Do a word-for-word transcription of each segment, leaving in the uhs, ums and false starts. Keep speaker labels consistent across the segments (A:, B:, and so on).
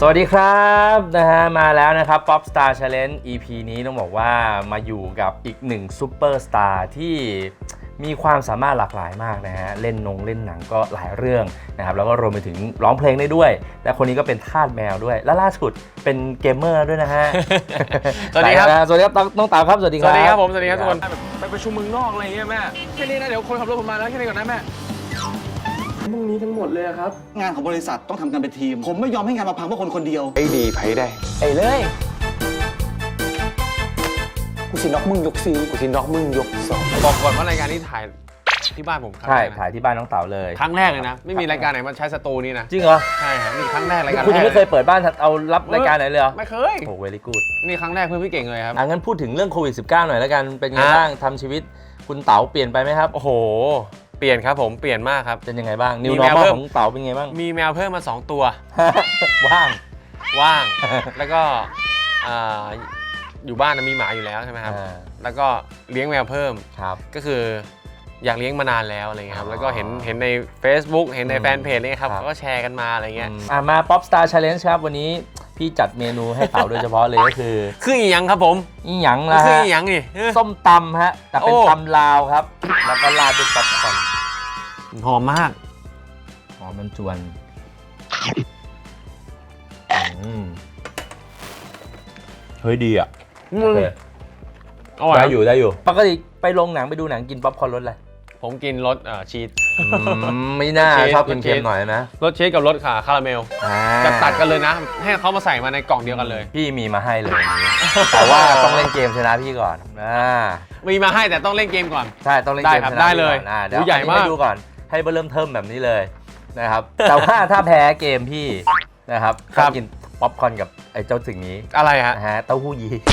A: สวัสดีครับนะฮะมาแล้วนะครับ Pop Star Challenge อี พี นี้ต้องบอกว่ามาอยู่กับอีกหนึ่งซูเปอร์สตาร์ที่มีความสามารถหลากหลายมากนะฮะเล่นนงเล่นหนังก็หลายเรื่องนะครับแล้วก็รวมไปถึงร้องเพลงได้ด้วยและคนนี้ก็เป็นทาสแมวด้วยและล่าสุดเป็นเกมเมอร์ด้วยนะฮะ
B: สวัสดีครับ
A: สวัสดีครับน้องเต๋าครับสวัสดีครับ
B: สวัสดีครับผมสวัสดีครับทุกคนไปประชุมเมืองนอกอะไรเงี้ยแม่แค่นี้นะเดี๋ยวคนขับรถผมมาแล้วแค่นี้ก่อนนะแม่พรุ่งนี้ทั้งหมดเลยครับ
C: งานของบริษัทต้องทำกันเป็นทีมผมไม่ยอมให้งานมาพังเพราะคนคนเดียว
B: ไอ้ดีไพ่ได้
A: ไอ้เลย
C: กูสิน็อกมึงยกซี
B: กูสิน็อกมึงยกสองบอกก่อนว่ารายการนี้ถ่ายที่บ้านผมครับ
A: ใช่ถ่ายที่บ้านน้องเต๋าเลย
B: ครั้งแรกเลยนะไม่มีรายการไหนมาใช้สตูนี้นะ
A: จริงเหรอ
B: ใช่ครับนี่ครั้งแรกรายการ
A: คุณยังไม่เคยเปิดบ้านเอารับรายการไหนเลยเหรอ
B: ไม่เคย
A: โอ้เวลี่กูด
B: นี่ครั้งแรกเพื่อนพี่เก่งเลยครับ
A: อ่ะงั้นพูดถึงเรื่องโควิด สิบเก้า หน่อยแล้วกันเป็นไงบ้างทำชีวิตคุณเต๋าเปลี่ยนไปไหมครับ
B: โอ้โหเปลี่ยนครับผมเปลี่ยนมากครับ
A: เป็นยังไงบ้าง New Normal ของเต๋าเป็นไงบ้าง
B: มีแมวเพิ่มมาสองตัว
A: ว่าง
B: ว่างแล้วก็อยู่บ้านมีหมาอยู่แล้วใช่ไหมครับแล้วก็เลี้ยงแมวเพิ่มก็คืออยากเลี้ยงมานานแล้วอะไรเงี้ยครับแล้วก็เห็นเห็นใน Facebook เห็นในแฟนเพจนี่ครับเขาก็แชร์กันมาอะไรเงี้ย
A: มา Pop Star Challenge ครับวันนี้พี่จัดเมนูให้เต๋าโดยเฉพาะเลยก็คือ
B: คืออีหยังครับผม
A: อีหยังล่ะ
B: คืออีหยังนี่
A: ส้มตำฮะแต่เป็นตำลาวครับแล้วก็ราดด้วยป๊อปคอร์น
B: หอมมาก
A: หอมมันจวนเฮ้ยดีอ่ะได้อยู่ได้อยู่ปกติไปโรงหนังไปดูหนังกินป๊อปคอร์นรสอะไร
B: ผมกินรสชีส
A: ไม่น่าชอบเค็มๆหน่อยนะ
B: รสชีสกับรสขาคาราเมลจะตัดกันเลยนะให้เขามาใส่มาในกล่องเดียวกันเลย
A: พี่มีมาให้เลยแต่ว่าต้องเล่นเกมชนะพี่ก่อน
B: มีมาให้แต่ต้องเล่นเกมก่อน
A: ใช่ต้องเล่นเกมชนะ
B: ได้เลย
A: เดี๋ยวใหญ่มากดูก่อนให้เริ่มเทิมแบบนี้เลยนะครับแต่ว่าถ้าแพ้เกมพี่นะครับต้องกินป๊อปคอร์นกับไอ้เจ้าสิ่งนี้
B: อะไรฮะ
A: ฮะเต้าหู้ยี้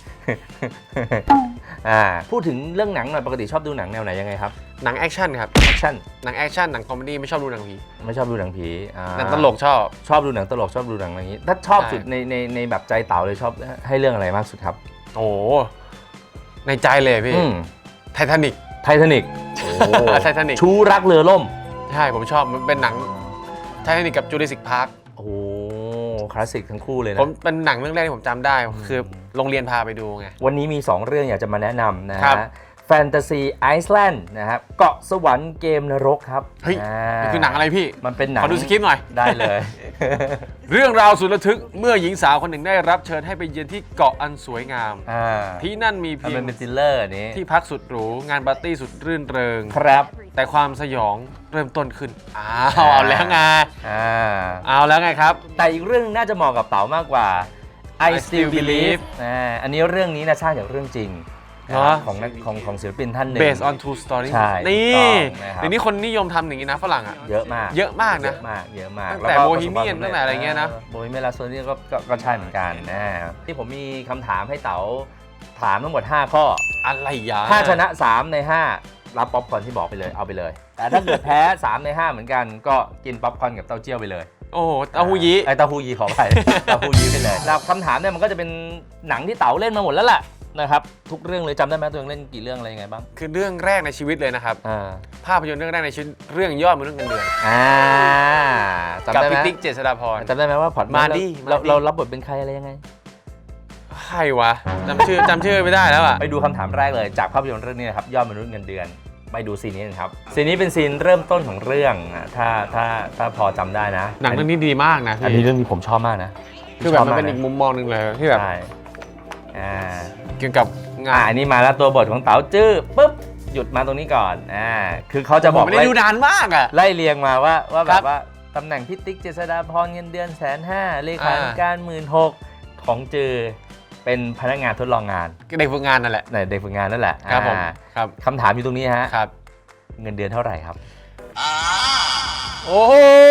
A: พูดถึงเรื่องหนังหน่อยปกติชอบดูหนังแนวไหนยังไงครับ
B: หนังแอคชั่นครับ
A: แอคชั่น
B: หนังแอคชั่นหนังคอมเมดี้ไม่ชอบดูหนังผี
A: ไม่ชอบดูหนังผี
B: หนังตลกชอบ
A: ชอบดูหนังตลกชอบดูหนังอะไรอย่างนี้ถ้าชอบสุดในในในแบบใจเต๋าเลยชอบให้เรื่องอะไรมากสุดครับ
B: โอ้ในใจเลยพี่ไททานิก
A: ไททานิก
B: ไททานิก
A: ชูรักเรือล่ม
B: ใช่ผมชอบมันเป็นหนังไททานิกกับจูราสสิคพาร์ค
A: โอ้คลาสสิกทั้งคู่เลยนะ
B: ผมเป็นหนังเรื่องแรกที่ผมจำได้คือโรงเรียนพาไปดูไง
A: วันนี้มีสองเรื่องอยากจะมาแนะนำนะฮะแฟนตาซีไอซ์แลนด์นะครับเกาะสวรรค์เกมนรกครับ
B: เฮ้ยนี่คือหนังอะไรพี่
A: มันเป็นหนัง
B: ขอดูสคริปต์หน่อย
A: ได้เลย
B: เรื่องราวสุดระทึกเมื่อหญิงสาวคนหนึ่งได้รับเชิญให้ไปเยือนที่เกาะอันสวยงามที่นั่นมีเพียงที่พักสุดหรูงานปาร์ตี้สุดรื่นเริง
A: ครับ
B: แต่ความสยองเริ่มต้นขึ้นอ้าวเอาแล้วไงเอาแล้วไงครับ
A: แต่อีกเรื่องน่าจะเหมาะกับเต๋ามากกว่า I Still Believe อันนี้เรื่องนี้นะสร้างจากเรื่องจริงของของของศิลปินท่านหนึ่ง
B: based on true story นี่เดี๋ยวนี้คนนิยมทำอย่างนี้นะฝรั่งอ่ะ
A: เยอะมาก
B: เยอะมากนะ
A: เยอะมากเยอะมาก
B: ตั้งแต่โบฮีเมียนตั้งแต่อะไรเงี้ยนะ
A: โบฮีเมียนลาโซนี่ก็ก็ใช่เหมือนกันนะที่ผมมีคำถามให้เต๋าถามทั้งหมดห้าข้อ
B: อะไรยา
A: ถ้าชนะสามในห้ารับป๊อปคอร์นที่บอกไปเลยเอาไปเลยแต่ถ้าเกิดแพ้สามในห้าเหมือนกันก็กินป๊อปคอร์นกับเต้าเจี้ยวไปเลย
B: โอ้โหเต้าหู้ยี้
A: ไอเต้าหู้ยี้ขอไปเต้าหู้ยี้ไปเลยแล้วคำถามเนี่ยมันก็จะเป็นหนังที่เต๋าเล่นมาหมดแล้วแหละนะครับทุกเรื่องเลยจำได้ไหมตัวเองเล่นกี่เรื่องอะไรยังไงบ้าง
B: คือเรื่องแรกในชีวิตเลยนะครับภาพยนตร์เรื่องแรกในชีวิตเรื่องยอดมนุษย์เงินเดือนกับพี่ติ๊กเจษฎาพร
A: จำได้ไหมว่าพอด
B: มาดิ
A: เราเรารับบทเป็นใครอะไรยังไง
B: ใครวะจำชื่อจำชื่อไม่ได้แล้วอ่ะ
A: ไปดูคำถามแรกเลยจากภาพยนตร์เรื่องนี้นะครับยอดมนุษย์เงินเดือนไปดูซีนนี้ครับซีนนี้เป็นซีนเริ่มต้นของเรื่องถ้าถ้าถ้าพอจำได้นะ
B: หนังเรื่องนี้ดีมากนะ
A: อันนี้เรื่องนี้ผมชอบมากนะ
B: คือแบบมันเป็นอีกมุมมองหนึ่งเลยที่แบบเกี่ยวกับ
A: งานอันนี้มาแล้วตัวบทของเต๋าจื้อปุ๊บหยุดมาตรงนี้ก่อนอ่าคือเขาจะบอก
B: ไม่ได้ดูนานมากอ่ะ
A: ไล่เรียงมาว่าว่าแบบว่าตำแหน่งพิติ๊กเจษฎาพรเงินเดือนแสนห้าเลขาธิการหมื่นหกของจื้อเป็นพนักงานทดลองงาน
B: เด็กฝึกงานนั่นแหละ
A: เด็กฝึกงานนั่นแหละ
B: ครับผมครับ
A: คำถามอยู่ตรงนี้ฮะ
B: ครับ
A: เงินเดือนเท่าไหร่ครับ
B: โอ้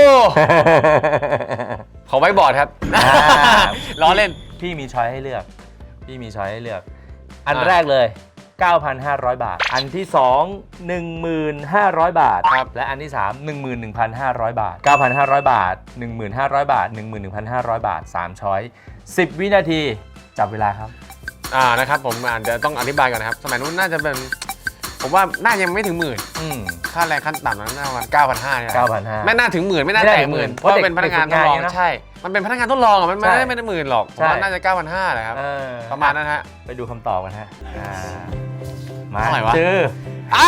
B: ขอไว้บอร์ดครับล้อเล่น
A: พี่มีช้อยให้เลือกพี่มีช้อยให้เลือกอันแรกเลย เก้าพันห้าร้อย บาทอันที่สอง หนึ่งหมื่นห้าร้อย บาทและอันที่สาม หนึ่งหมื่นหนึ่งพันห้าร้อย บาท เก้าพันห้าร้อย บาท หนึ่งหมื่นห้าร้อย บาท หนึ่งหมื่นหนึ่งพันห้าร้อย บาทสามช้อยสิบวินาทีจับเวลาครับ
B: อ่านะครับผมอ่านเดี๋ยวต้องอธิบายก่อนนะครับสมัยนู้นน่าจะเป็นผมว่าน่ายังไม่ถึงหมื่น
A: อืม
B: ค่าแรงขั้นต่ำนั้นน่าประมาณเก้าพันห้าเนี่ย
A: เก้าพันห้า
B: ไม่น่าถึงหมื่นไม่น่า
A: ไม่น่า
B: แตะ
A: ถึง
B: ห
A: หมื่
B: มื่น
A: น
B: เพราะเป็น
A: เพ
B: พ
A: ราะ
B: นักงาน
A: เด็
B: ท
A: ก
B: ดลอง
A: ฝึกงานเนี่ยนะ
B: ใช่ มันเป็นพนักงานทดลองอ่ะมันไม่
A: ใช่
B: ได้ไม่ได้หมื่นหรอกผม
A: ใช่
B: ว่าน่าจะเก้าพันห้าแหละครับ
A: เออ
B: ประมาณนั้นฮะ
A: ไปดูคำตอบกันฮะอ่ามา
B: เท่าไหร่วะ
A: เจอ
B: อ้า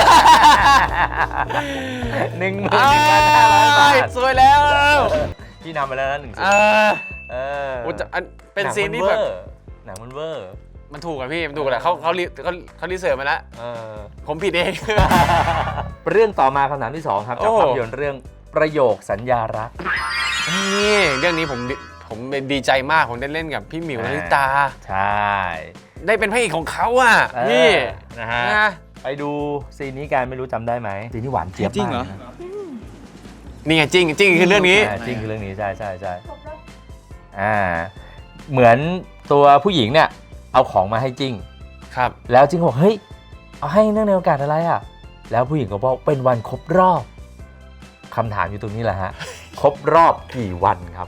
A: หนึ่งหมื่นหนึ่งพันห้าร้อยบาท
B: สวยแล้ว
A: ที่นำไปแล้วนะหนึ่งศูน
B: อ่า
A: ย์เออ
B: โอ้จะอันเป็น
A: หง
B: ซีนที่
A: มั
B: แบบ
A: เวอร์หนังมันเวอร์
B: มันถูกอะพี่มันถูกแหละเขาเขารีเขาเขารีเสิร์ชมาแล้ว
A: เออ
B: ผมผิดเอง
A: เรื่องต่อมาคำถามที่สองครับจาก
B: โอ้
A: ภาพยนตร์เรื่องประโยคสัญญารัก
B: นี่เรื่องนี้ผมดีผมดีใจมากผมได้เล่นกับพี่หมิวนาริตา
A: ใช่
B: ได้เป็นพระเอกของเขาอ่ะ
A: เออ
B: พี่
A: นะฮะ
B: นะ
A: ไปดูซีนนี้กันไม่รู้จำได้ไหมซีนนี้หวานเจี๊ยบ
C: จริงเหรอ
A: มากนะ
B: นี่ไงจริงจริงคือเรื่องนี้
A: อ่าจริงคือเรื่องนี้ใช่ใช่ใช่อ่าเหมือนตัวผู้หญิงเนี่ยเอาของมาให้จิ้ง
B: ครับ
A: แล้วจิ้งบอกเฮ้ยเอาให้เนื่องในโอกาสอะไรอ่ะแล้วผู้หญิงก็บอกเป็นวันครบรอบคำถามอยู่ตรงนี้แหละฮะ ครบรอบกี่วันครับ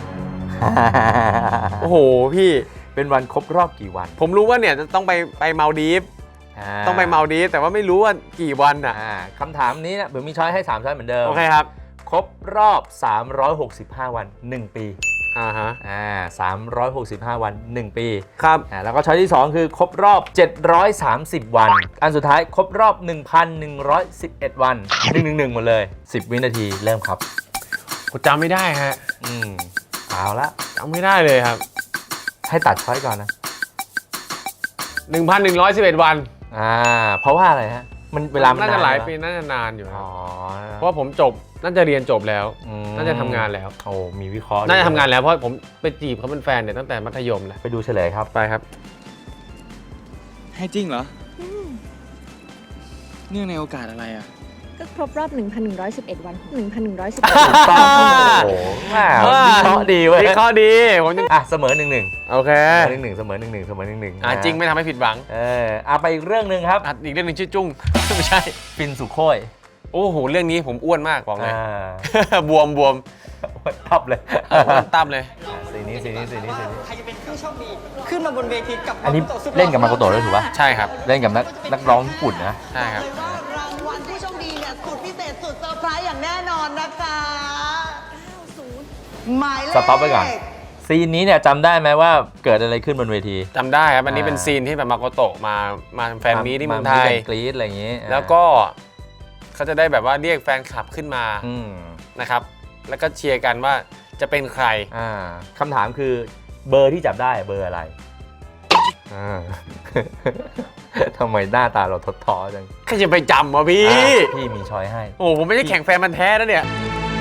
B: โอ้โหพี่
A: เป็นวันครบรอบกี่วัน
B: ผมรู้ว่าเนี่ยจะต้องไปไปมาลดีฟ
A: า
B: ต้องไปมาลดีฟแต่ว่าไม่รู้ว่ากี่วันอ่ะ
A: อ่าคำถามนี้เนี่ยผมมีช้อยให้สามช้อยเหมือนเดิม
B: โอเคครับ
A: ครบรอบ สามร้อยหกสิบห้า วัน หนึ่ง ปี
B: อ่าฮะ
A: อ่าสามร้อยหกสิบห้า วัน หนึ่ง ปี
B: ครับ
A: อ่าแล้วก็ช้อยที่ สอง คือครบรอบ เจ็ดร้อยสามสิบ วัน อันสุดท้ายครบรอบ หนึ่งพันหนึ่งร้อยสิบเอ็ด วัน หนึ่ง หนึ่ง หนึ่ง หมดเลย สิบ วินาทีเริ่มครับ
B: ผมจำไม่ได้ฮะ
A: อืมเอาละ
B: จำไม่ได้เลยครับ
A: ให้ตัดช้อยก่อนนะ
B: หนึ่งพันหนึ่งร้อยสิบเอ็ด วัน
A: อ่าเพราะว่าอะไรฮะมันเวลามัน
B: น่าจะ
A: น
B: หลาย
A: ไหม
B: ปีน่าจะนานอยู่ครั
A: อ๋
B: บ
A: อ
B: เพราะว่าผมจบน่าจะเรียนจบแล้ว
A: อืม
B: น่าจะทำงานแล้ว
A: โอ้มีวิเคราะห์
B: น่าจะทำงานแล้วเพราะผมไปจีบเขาเป็นแฟนเนี่ยตั้งแต่มัธยมแล้ว
A: ไปดูเฉลยครับ
B: ไปครับ
C: ให้จริงเหรอ เนื่องในโอกาสอะไรอ่ะ
D: ก็ครบรอบ หนึ่งพันหนึ่งร้อยสิบเอ็ด วัน หนึ่งพันหนึ่งร้อยสิบเอ็ด
A: ถูกต้องโอ้โหแหม่วิเคราะห์ดีเว้ย
B: วิเคราะห์ดีผมยัง
A: อ่ะเสมอหนึ่งหนึ่ง
B: โอเค
A: หนึ่งหนึ่งเสมอหนึ่งหนึ่งเสมอหนึ่งหนึ่ง
B: อ่าจริงไม่ทำให้ผิดหวัง
A: เอออ่ะไปอีกเรื่องหนึ่งครับ
B: อ่ะอีกเรื่องหนึงชื่อจุ้ง ไม่ใช่
A: ฟินสุโคย
B: โอ้โหเรื่องนี้ผมอ้วนมากบอกเลย
A: อ่า
B: บวมบวม
A: ทับเลย
B: เอออ้วนตั้มเลย
A: อ่ะสีนี้สีนี้สีนี้สีนี้
E: ใครจะเป็นผู้โชคดี ขึ้นมาบนเวทีกับ
A: อันนี้
E: มาโกโตะสุดห
A: เล่นกับมาโกโตะด้วยถูกป่ะ
B: ใช่ครับ
A: เล่นกับนักนักร้องญี่ปุ่นนะ
B: ใช่ครับ
E: ว่ารางวัลผู้โชคดีเนี่ยสุดพิเศษสุดเซอร์ไพรส์อย่างแน่นอนนะคะหมายเลข
A: สต็อปไว้ก่อน ซีนนี้เนี่ยจำได้ไหมว่าเกิดอะไรขึ้นบนเวที
B: จำได้ครับ อันนี้
A: อ่า
B: เป็นซีนที่แบบมาโกโตะมามาแฟนมีตที่เมืองไทย
A: าากรี๊ดอะไรอย่างงี้
B: แล้วก็เขาจะได้แบบว่าเรียกแฟนคลับขึ้นมา
A: อืม
B: นะครับ แล้วก็เชียร์กันว่าจะเป็นใคร
A: อ่าคำถามคือเบอร์ที่จับได้เบอร์อะไรอ่า ทำไมหน้าตาเราทดท้อจัง
B: ใครจะไปจำวะพี่
A: อ่ะพี่มีช้อยให้
B: โอ้โหผมไม่ใช่แข่งแฟนมันธุ์แท้แล้วเนี่ย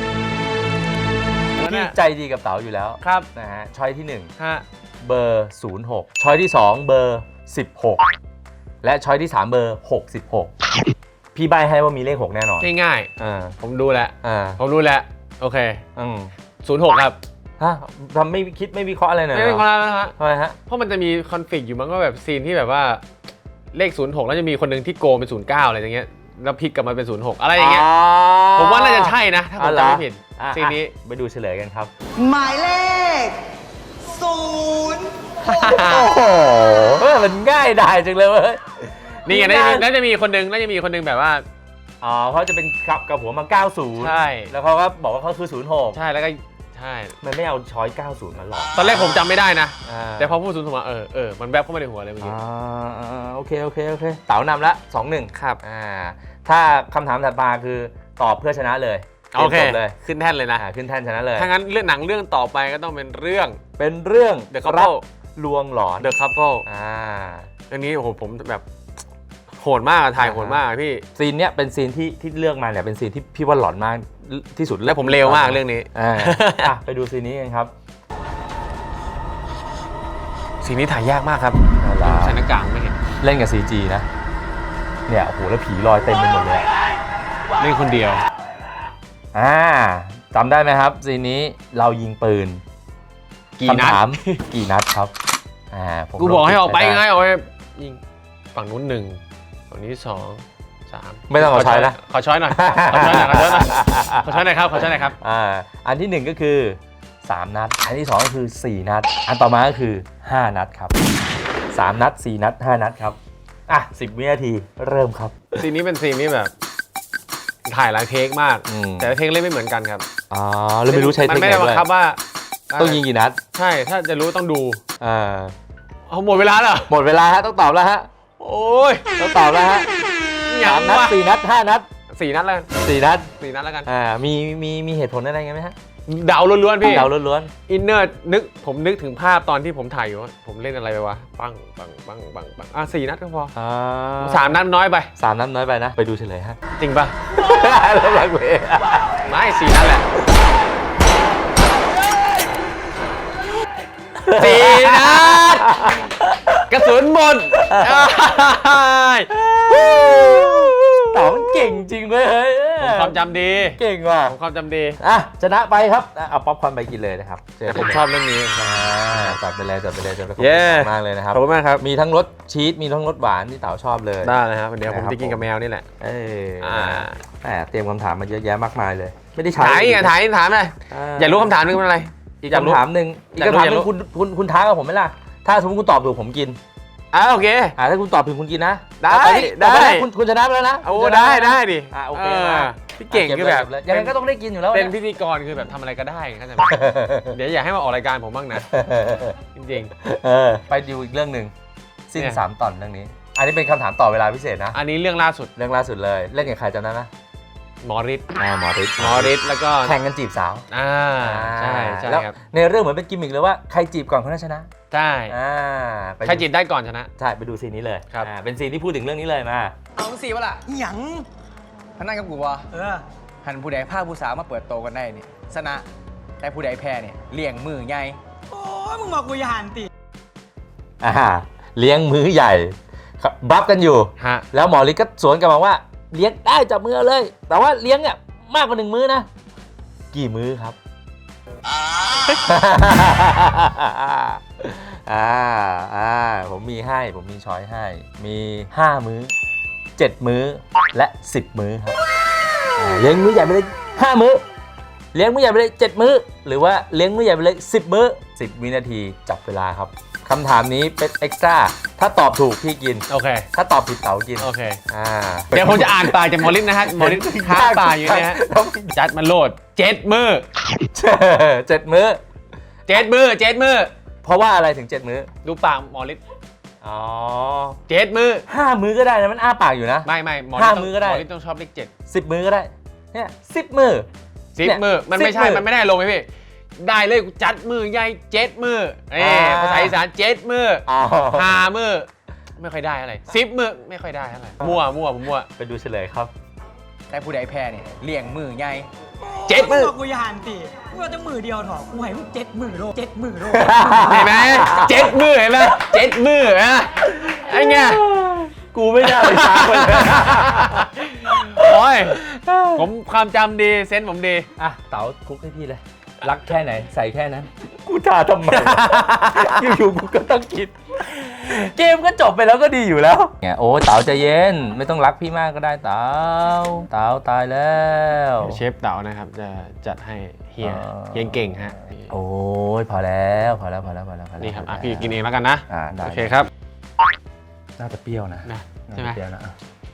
B: แล้ว
A: พี่
B: เนี่ย
A: ใจดีกับเต๋าอยู่แล้ว
B: ครับ
A: นะฮะช้อยที่หนึ่ง
B: ฮะ
A: เบอร์ศูนย์หกช้อยที่สองเบอร์สิบหกและช้อยที่สามเบอร์หกสิบหกพี่ใบให้ว่ามีเลขหกแน่นอน
B: ง่าย
A: อ่า
B: ๆผมดูแล้ว
A: อ่า
B: ผมรู้แล้ว โอเค
A: อืม
B: ศูนย์หกครับ
A: ฮะทำไม่คิดไม่วิเคราะห์อะไรหน่อย
B: ไม่
A: เหร
B: เป็น
A: อ
B: คนละนะฮะ
A: ทำไมฮะ
B: เพราะมันจะมีคอนฟ lict อยู่มันก็แบบซีนที่แบบว่าเลขศูนย์หกแล้วจะมีคนหนึ่งที่โกงเป็นศูนย์เก้าอะไรอย่างเงี้ยแล้วพลิกกลับมาเป็นศูนย์หกอะไรอย่างเงี้ยผมว่าน่าจะใช่นะถ้าผมจำไม่ผิด
A: อ่ะ
B: ซีนนี้
A: อ่ะไปดูเฉลยกันครับ
E: หมายเลขศูนย์
A: โอ้โหเฮ้ยมันง่ายได้จังเลยเว้ย
B: นี่ไงน่าจะมีน่าจะมีคนหนึงน่าจะมีคนหนึงแบบว่า
A: อ๋อเขาจะเป็นกับกับหัวมาเก้าสิบ
B: ใช่
A: แล้วเขาก็บอกว่าเขาคือศูนย์หก
B: ใช่แล้วก็ใช่
A: มันไม่เอาช้อยเก้าสิบมาหลอก
B: ตอนแรกผมจำไม่ได้นะ
A: อ่า
B: แต่พอพูดศูนย์หกมาเออเออมันแวบเข้ามาในหัวเลยเมื่อกี้
A: อ่าอ่าโอเคโอเคโอเคเต๋านำละสองหนึ่ง
B: ครับ
A: อ่าถ้าคำถามถัดมาคือตอบเพื่อชนะเลย
B: โอเค
A: จบเลย
B: ขึ้นแท่นเลยนะ
A: อ่าขึ้นแท่นชนะเลย
B: ถ้างั้นเรื่องหนังเรื่องต่อไปก็ต้องเป็นเรื่อง
A: เป็นเรื่อง
B: The Couple
A: ลวงหลอน
B: The Couple
A: อ่า
B: เรื่องนี้โอ้โหผมแบบโหดมากอะถ่ายโหดมากอะพี่
A: ซีนเนี้ยเป็นซีนที่ที่เลือกมาเนี่ยเป็นซีนที่พี่ว่าหลอนมากที่สุด
B: และผมเลวมากเรื่องนี้
A: อ่าอ่ะไปดูซีนนี้กันครับ
B: ซีนนี้ถ่ายยากมากครับ
A: เอาล่ะ
B: ใส่หน้ากากไม่เห็น
A: เล่นกับ ซี จี นะ เนี่ยโอ้โหแล้วผีลอยเต็มไปหมดเลย
B: เล่นคนเดียว
A: อ่าจำได้ไหมครับซีนนี้เรายิงปืน
B: กี่นัด
A: คำถาม กี่นัดครับอ่าผม
B: กูบอกให้ออกไป
A: ลง
B: ไง
A: ด้
B: ออกไปยิงฝั่งนู้นหนึ่งฝั่งนี้สองสาม
A: ไม่ต้องเอาช้อยนะ
B: ขอช้อยหน่อยขอช้อยหน่อยขอช้อยหน่อยขอช้อยหน่อยครับขอช้อยหน่อยครับ
A: อ่าอันที่หนึ่งก็คือสามนัด อันที่สองก็คือสี่นัด อันต่อมาก็คือห้านัดครับสามนัดสี่นัดห้านัดครับอ่ะสิบวินาทีเริ่มครับ
B: ซีนนี้เป็นซีนที่แบบถ่ายหลายเทคมาก
A: อืม
B: แต่ละเทคเล่นไม่เหมือนกันครับ
A: อ๋อแล้วไม่รู้ใช้เท
B: มั
A: คน นิค
B: ไม่ได้บั
A: ด้
B: ง
A: วย
B: คับว่า
A: ต้องยิงกี่นัด
B: ใช่ถ้าจะรู้ต้องดู
A: อ่า
B: เอาหมดเวลาแล้วเหรอ
A: หมดเวลาฮะต้องตอบแล้วฮะ
B: โอ้ย
A: ต้องตอบแล้วฮะ
B: หยั
A: สาง มนัด
B: วะ
A: สี่นัดห้านัด
B: สี่นัดแล้วกัน
A: สี่นัด
B: สี่นัดแล้วกัน
A: อ่ามีมีมีเหตุผลอะไรไงไหมฮะ
B: เดาล้วนๆพี่
A: เดาล้วน
B: อินเนอร์นึกผมนึกถึงภาพตอนที่ผมถ่ายอยู่ว่าผมเล่นอะไรไปวะปังปังปังปังปังอ่ะสี่นัดก็พอ
A: ๆอ่า
B: สามนัดน้อยไป
A: สามนัดน้อยไปนะ ไปดูเฉลยฮะ
B: จริงปะ
A: แล้วลังเว
B: ไม่สี่นัดแหละสี่นัดกระสุนหมด
A: เต่ามันเก่งจริงเว้ยเฮ้ย
B: ผมความจำดี
A: เก่งว่ะ
B: ผมความจำดี
A: อ่ะชนะไปครับอ่ะเอาป๊อปคอร์นไปกินเลยนะครับเจ
B: แต่ผมชอบเรื่องนี้
A: อ่าจัดไปเลยจัดไปเลยจัดไปเลยขอบ
B: เย้
A: คุณมากเลยนะครับ
B: ขอบคุณมากครับ
A: มีทั้งรสชีสมีทั้งรสหวานที่เต๋าชอบเลย
B: ได้เลยครับวันนี้ผม
A: นะครับ
B: จะกินกับแมวนี่แหละ
A: เออ
B: อ่า
A: แหมเตรียมคำถามมาเยอะแยะมากมายเลย ไม่ได้ใช้
B: ถ่ายไงถ่ายถามเลยอยากรู้คำถามนึงเป็นอะไร
A: อีกคำถามหนึ่งอีกคำถามหนึงคุณคุณคุณท้ากับผมไหมล่ะถ้าสมมติคุณตอบถูกผมกิน
B: อ่าโอเค
A: อ่าถ้าคุณตอบถูกคุณกินนะ
B: ได้
A: ตอนนี้
B: ได้
A: ตอนนี้คุณคุณชนะไปแล้วนะ
B: โอ้
A: คุณชนะ
B: ได้
A: ปแล้วนะ
B: ได้ดิ
A: อ่าโอเค
B: อ
A: มา
B: พี่เก่งคือแบบ
A: เก็เลยยังไงก็ต้องได้กินอยู่แล้ว
B: เป็น
A: ย
B: พิธีกรคือแบบทำอะไรก็ได้เข้าใจไหม เดี๋ยวอยากให้มาออกรายการผมบ้างนะ จริง
A: เออไปดูอีกเรื่องหนึ่งสิ้น
B: เนี่ย
A: สามตอนเรื่องนี้ อันนี้เป็นคำถามต่อเวลาพิเศษนะ
B: ๆ อันนี้เรื่องล่าสุด
A: เรื่องล่าสุดเลยเล่นกับใครจำได้ไหม
B: หมอฤทธิ์
A: อ่าหมอฤทธิ์
B: หมอฤทธิ์แล้วก็
A: แข่งกันจีบสาว
B: อ่าใช่ใช่
A: แล้ว
B: ครับ
A: ในเรื่องเหมือนเป็นกิมมิกเลยว่าใครจีบก่อนคนนั้นชนะ
B: ใช่
A: อ่าไปดู
B: ใครจีบได้ก่อนชนะ
A: ใช่ไปดูซีนนี้เลย
B: ครับ
A: อ่าเป็นซีนที่พูดถึงเรื่องนี้เลยมา
F: เอาสิวะล่ะ
E: หยัง
F: ท่านนั่งกับกูวะ
E: เออ
F: หันผู้ใดผ้าผู้สาวมาเปิดโตกันได้เนี่ยชนะ แต่ผู้ใดแพ้เนี่ยเลี่ยงมือไง
E: โอ้ยมึงบอกกูอย่าหันติ
A: อ่าเลี้ยงมื้อใหญ่ครับบัฟกันอยู่
B: ฮะ
A: แล้วหมอฤทธิ์ก็สวนกลับมาว่าเลี้ยงได้จับมือเลย แต่ว่าเลี้ยงเนี่ยมากกว่าหนึ่งมื้อนะ กี่มื้อครับ อ่าอ่าผมมีให้ผมมีช้อยให้ มีห้ามื้อเจ็ดมื้อและสิบมื้อครับอ่าเลี้ยงมื้อใหญ่ไปเลยห้ามื้อเลี้ยงมื้อใหญ่ไปเลยเจ็ดมื้อหรือว่าเลี้ยงมื้อใหญ่ไปเลยสิบมื้อสิบวินาทีจับเวลาครับคำถามนี้เป็นเอ็กซ์ตร้าถ้าตอบถูกพี่กิน
B: โอเค
A: ถ้าตอบผิดเต๋ากิน
B: โอเค
A: อ่า
B: เดี๋ยวผมจะอ่านปากจากหมอฤทธิ์นะฮะหมอฤทธิ์ค้างปากอยู่เนี่ยฮะจัดมันโหลดเจ็ดมือ
A: เจ็ดมื้อ
B: เจ็ดมือเจ็ดมือ
A: เพราะว่าอะไรถึงเจ็ดมื้อ
B: ดูปากหมอฤทธิ์
A: อ๋อ
B: เจ็ดมือ
A: ห้ามื้อก็ได้นะมันอ้าปากอยู่นะ
B: ไม่ไม่หมอ
A: ห้า
B: ฤทธิ์
A: มื้อก็ได้
B: หมอฤทธิ์ต้องชอบเลขเจ็ด
A: สิบมื้อก็ได้เนี่ยสิบมื้อ
B: สิบ
A: เนี่ย
B: มือมันไม่
A: สิบ
B: ใช่
A: มื้อ
B: มันไม่ได้ลงไหมพี่ได้เลยกูจัดมือใหญ่เจ็ดมือเอ้
A: อ่า
B: ภาษาอีสานเจ็ดมือ
A: อ๋อ
B: ห้ามือไม่ค่อยได้อะไรสิบมือไม่ค่อยได้อะไรมั่วมั่วผมมั่ว
A: ไปดูเฉลยครับ
F: แต่ผู้ใดแพ้เนี่ยเลี่ยงมือไง
B: เจ็ดมือ
E: บอกกูอย่าหันติกูเอาจะมือเดียวเถอะกูให้มึงเจ็ดมือโลเจ็ดมือโล
B: เห็นไหมเจ็ดมือเห็นไหมเจ็ดมืออะไอ้เงี้ย
A: กูไม่ได้ไปช้าคนเลย
B: โอ้ยผมความจำดีเซนส์ผมดี
A: อ่ะเต๋าคลุกให้พี่เลย รักแค่ไหนใส่แค่นั้น กูท่าทำไม อยู่ๆกูก็ต้องคิด เกมก็จบไปแล้วก็ดีอยู่แล้วไงโอ้เต๋าใจเย็น ไม่ต้องรักพี่มากก็ได้เต๋าเต๋าตายแล้ว
B: เชฟเต๋านะครับจะจัดให้เฮีย
A: อ่า
B: เฮียเก่งฮะ
A: โอ้ยพอแล้วพอแล้วพอแล้วพอแล้วพอแล้ว
B: นี่ครับอ่ะ
A: พอแล้ว
B: พี่กินเองแล้วกันนะ
A: อ่าได้
B: โอเคครับ
A: น่าจะเปรี้ยวนะ
B: นะ
A: น่า
B: ใช่ไหม
A: จะเปรี้ยวนะอ่ะ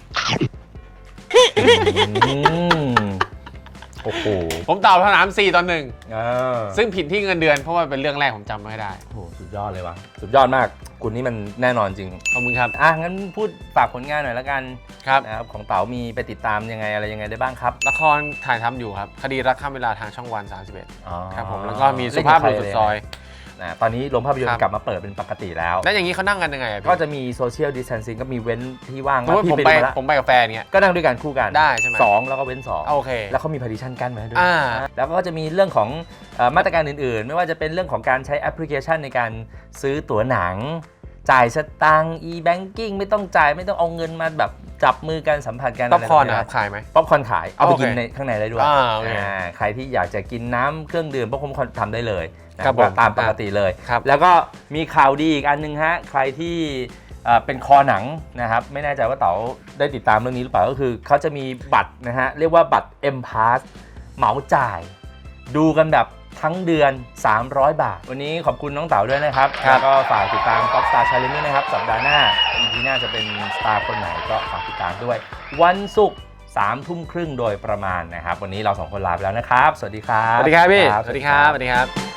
A: อืมโอ้โห
B: ผมตอบคำถามสี่ตอนหนึ่ง
A: อ่า
B: ซึ่งผิดที่เงินเดือนเพราะว่าเป็นเรื่องแรกผมจำไม่ได้
A: โอ้โหสุดยอดเลยวะสุดยอดมากคุณนี่มันแน่นอนจริง
B: ขอบคุณครับ
A: อ่ะงั้นพูดฝากผลงานหน่อยละกัน
B: ครับ
A: นะครับของเต๋ามีไปติดตามยังไงอะไรยังไงได้บ้างครับ
B: ละครถ่ายทำอยู่ครับ คดีรักข้ามเวลาทางช่องวันสามสิบเอ็ด
A: อ๋อ
B: ครับผมแล้วก็มีสุภาพบุรุษสุดซอย
A: นะตอนนี้โรงภาพยนต
B: ครั
A: ร์
B: บ
A: กลับมาเปิดเป็นปกติแล้ว
B: แล้วอย่างนี้เขานั่งกันยังไงอะพี่
A: ก็จะมีโซเชียลดิส a ทนซิ่งก็มีเว้นที่ว่าง
B: สมมติผม
A: พี่
B: ไป
A: ดูมาแล้ว
B: ผมไปกับแฟนเงี้ย
A: ก็นั่งด้วยกันคู่กัน
B: ได้ใช่ไหม
A: สองแล้วก็เว้นสอง
B: โอเค
A: แล้วเขามี partition กั้นไว้ให้ด้วย
B: อ่า
A: แล้วก็จะมีเรื่องของเอ่อมาตรการอื่นๆ ไม่ว่าจะเป็นเรื่องของการใช้แอปพลิเคชันในการซื้อตั๋วหนัง จ่ายสตังค์ e-banking ไม่ต้องจ่ายไม่ต้องเอาเงินมาแบบจับมือกันสัมผัสกัน
B: ป๊อปคอร์น
A: ะไร
B: อะ
A: แบบ
B: ขายไหม
A: ป๊อปคอร์นขาย เอาไป
B: โอเค
A: กินในข้างในได้ด้วย
B: อ่าโอเค
A: อ่าใครที่อยากจะกินน้ำเครื่องดื่มป๊อปคอร์นทำได้เลยนะครับ
B: ผม
A: ตามปกติเลย
B: ครับ
A: แล้วก็มีข่าวดีอีกอันนึงฮะ ใครที่เอ่อเป็นคอหนังนะครับ ไม่แน่ใจว่าเต๋าได้ติดตามเรื่องนี้หรือเปล่า ก็คือเขาจะมีบัตรนะฮะ เรียกว่าบัตร M Pass เหมาจ่าย ดูกันแบบทั้งเดือนสามร้อยบาทวันนี้ขอบคุณน้องเต๋าด้วยนะครับ
B: ครับ
A: แล้วก็ฝากติดตาม Pop Star Challenge ด้วยนะครับสัปดาห์หน้า อี พี หน้าจะเป็นสตาร์คนไหนก็ฝากติดตามด้วยวันศุกร์สามทุ่มครึ่งโดยประมาณนะครับวันนี้เราสองคนลาไปแล้วนะครับสวัสดีครับ
B: สวัสดีครับพี่
A: ครับ
B: สวัสดีครับ สวัสดีครับ